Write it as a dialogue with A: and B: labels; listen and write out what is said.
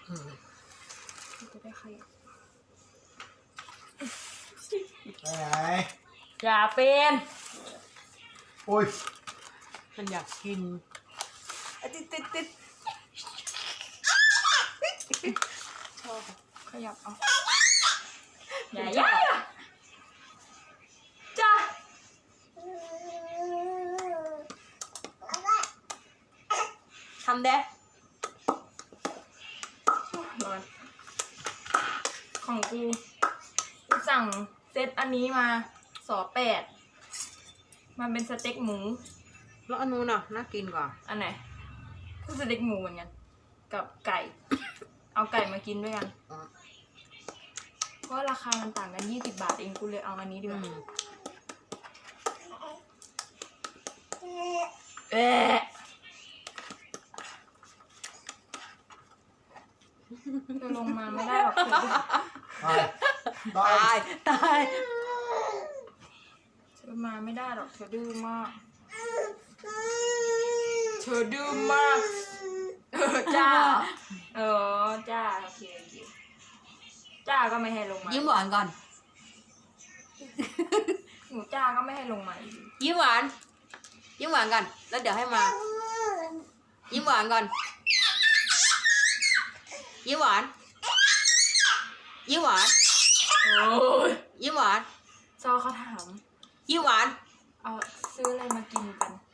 A: จะได้ใคร
B: ไปไหน
A: อย่าเป็น
B: โอ้ย
C: มันอยากกิน
A: ติดชอบขยับเอาอย่าจ้าทำเด้ร้อนของกูสั่งเซตอันนี้มา2 8มันเป็นสเต็กหมู
C: แล้วอันนู้นน่ะน่ากินกว่า
A: อันไหนก็สเต็กหมูเหมือนกันกับไก่ เอาไก่มากินด้วยกันเพราะราคามันต่างกัน20 บาทเองกูเลยเอาอันนี้ดีกว่าจะลงมาไม่ได้หรอก
B: ตาย
C: ตาย
A: เธอมาไม่ได้หรอกเธอดื้อมากเธอดื้อมากจ้าจ้าโอเคจ้าก็ไม่ให้ลงมา
C: ยิ้มหวานก่อน
A: หนูจ้าก็ไม่ให้ลงมา
C: ยิ้มหวานก่อนแล้วเดี๋ยวให้มายิ้มหวานก่อนยิ้มหวาน
A: โอ้ย
C: ยิ้มหวาน
A: ซอเขาถาม
C: ยิ้มหวาน
A: เอาซื้ออะไรมากินกัน